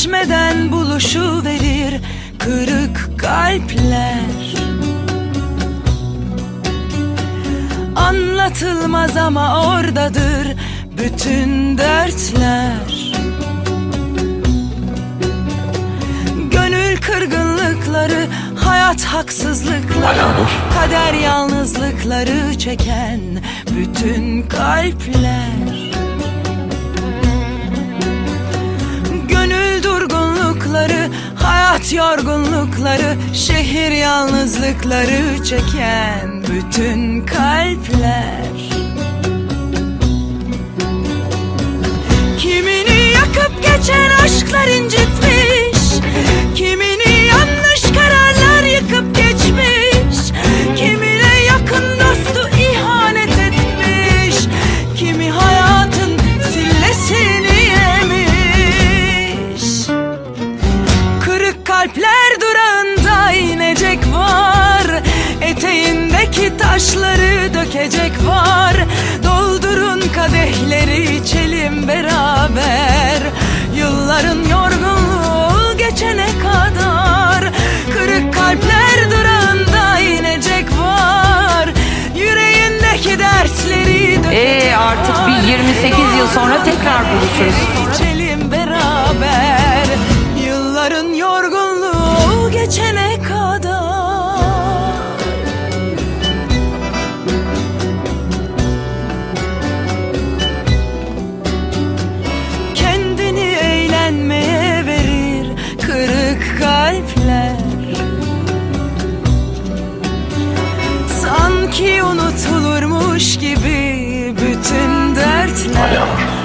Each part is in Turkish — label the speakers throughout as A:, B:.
A: Geçmeden buluşuverir kırık kalpler. Anlatılmaz ama oradadır bütün dertler. Gönül kırgınlıkları, hayat haksızlıkları, kader yalnızlıkları çeken bütün kalpler. Gönül durgunlukları, hayat yorgunlukları, şehir yalnızlıkları çeken bütün kalpler. Kimini yakıp geçen aşklar incitmiş, kimini yanlış kararlar yıkıp geçmiş, kimine yakın dostu ihanet etmiş, kimi hayatın sillesini yemiş. Kırık kalpler durağında inecek var, eteğindeki taşları dökecek var. Doldurun kadehleri içelim beraber, yılların yorgunluğu geçene kadar. Kırık kalpler durağında inecek var, yüreğindeki dertleri dökecek
B: artık
A: var.
B: bir 28 yıl sonra tekrar buluşuruz.
A: İçelim beraber, yılların yorgunluğu geçene kadar. Kendini eğlenmeye verir kırık kalpler. Sanki unutulurmuş gibi bütün dertler.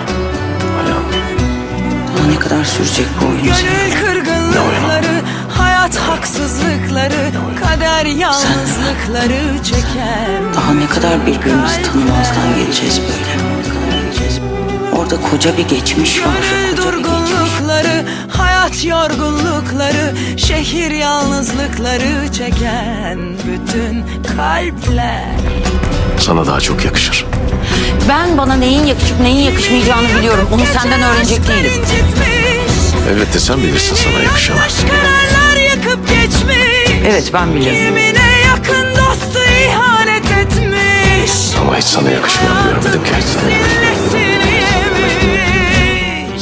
B: Daha ne kadar sürecek bu oyun?
A: Gönül kırgınlıkları, hayat haksızlıkları, kader yalnızlıkları çeken.
B: Daha ne kadar birbirimizi tanımazdan geleceğiz böyle? Orada koca bir geçmiş var.
A: Gönül
B: Koca bir geçmiş.
A: durgunlukları, hayat yorgunlukları, şehir yalnızlıkları çeken bütün kalpler.
C: Sana daha çok yakışır.
B: Ben bana neyin yakışıp neyin yakışmayacağını biliyorum. Onu senden öğrenecek değilim.
C: Elbette sen bilirsin sana yakışanı.
A: Kararlar yakıp geçmiş.
B: Evet, ben biliyorum.
A: Kimine yakın dostu ihanet etmiş.
C: Ama hiç sana yakışmayanı görmedim ki.
A: Sillesini yemiş.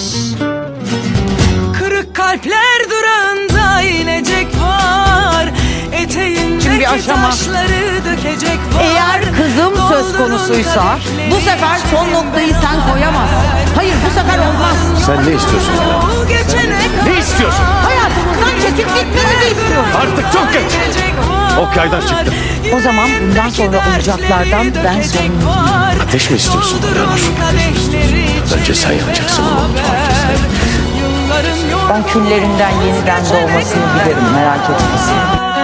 A: Kırık kalpler durağında inecek var, eteğindeki
B: bir aşama.
A: taşları dökecek var.
B: Eğer kızım söz konusuysa bu sefer son noktayı sen koyamazsın. Hayır, bu sefer olmaz.
C: Sen ne istiyorsun bana? Ne istiyorsun?
B: Hayatımızdan çekip gitmemizi istiyorum.
C: Artık çok geç. Ok yaydan çıktı.
B: O zaman bundan sonra olacaklardan ben sorumluyum.
C: Ateş mi istiyorsun Eleanor? Bence sen yanacaksın ama mutfağı kesin.
B: Ben küllerinden yeniden doğmasını bilirim, merak etmesin.